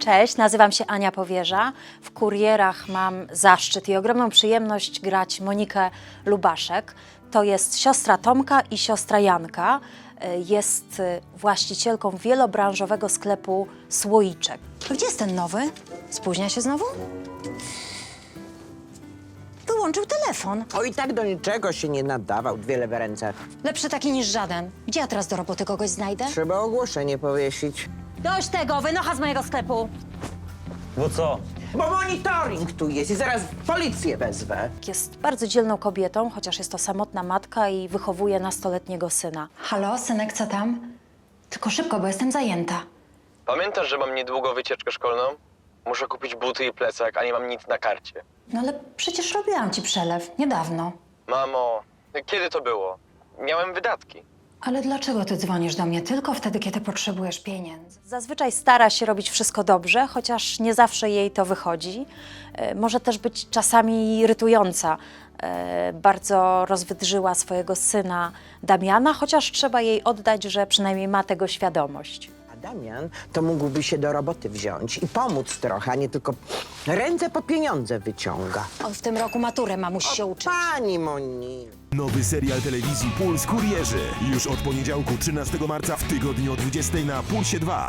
Cześć, nazywam się Ania Powierza. W Kurierach mam zaszczyt i ogromną przyjemność grać Monikę Lubaszek. To jest siostra Tomka i siostra Janka. Jest właścicielką wielobranżowego sklepu Słoiczek. Gdzie jest ten nowy? Spóźnia się znowu? Wyłączył telefon. O, i tak do niczego się nie nadawał, dwie lewe ręce. Lepszy taki niż żaden. Gdzie ja teraz do roboty kogoś znajdę? Trzeba ogłoszenie powiesić. Dość tego, wynocha z mojego sklepu. Bo co? Bo monitoring tu jest i zaraz policję wezwę. Jest bardzo dzielną kobietą, chociaż jest to samotna matka i wychowuje nastoletniego syna. Halo, synek, co tam? Tylko szybko, bo jestem zajęta. Pamiętasz, że mam niedługo wycieczkę szkolną? Muszę kupić buty i plecak, a nie mam nic na karcie. No ale przecież robiłam ci przelew, niedawno. Mamo, kiedy to było? Miałem wydatki. Ale dlaczego ty dzwonisz do mnie tylko wtedy, kiedy potrzebujesz pieniędzy? Zazwyczaj stara się robić wszystko dobrze, chociaż nie zawsze jej to wychodzi. Może też być czasami irytująca. Bardzo rozwydrzyła swojego syna Damiana, chociaż trzeba jej oddać, że przynajmniej ma tego świadomość. A Damian to mógłby się do roboty wziąć i pomóc trochę, a nie tylko ręce po pieniądze wyciąga. On w tym roku maturę ma, musi się uczyć. Pani Moni. Nowy serial telewizji Puls Kurierzy. Już od poniedziałku 13 marca w tygodniu o 20 na Pulsie 2.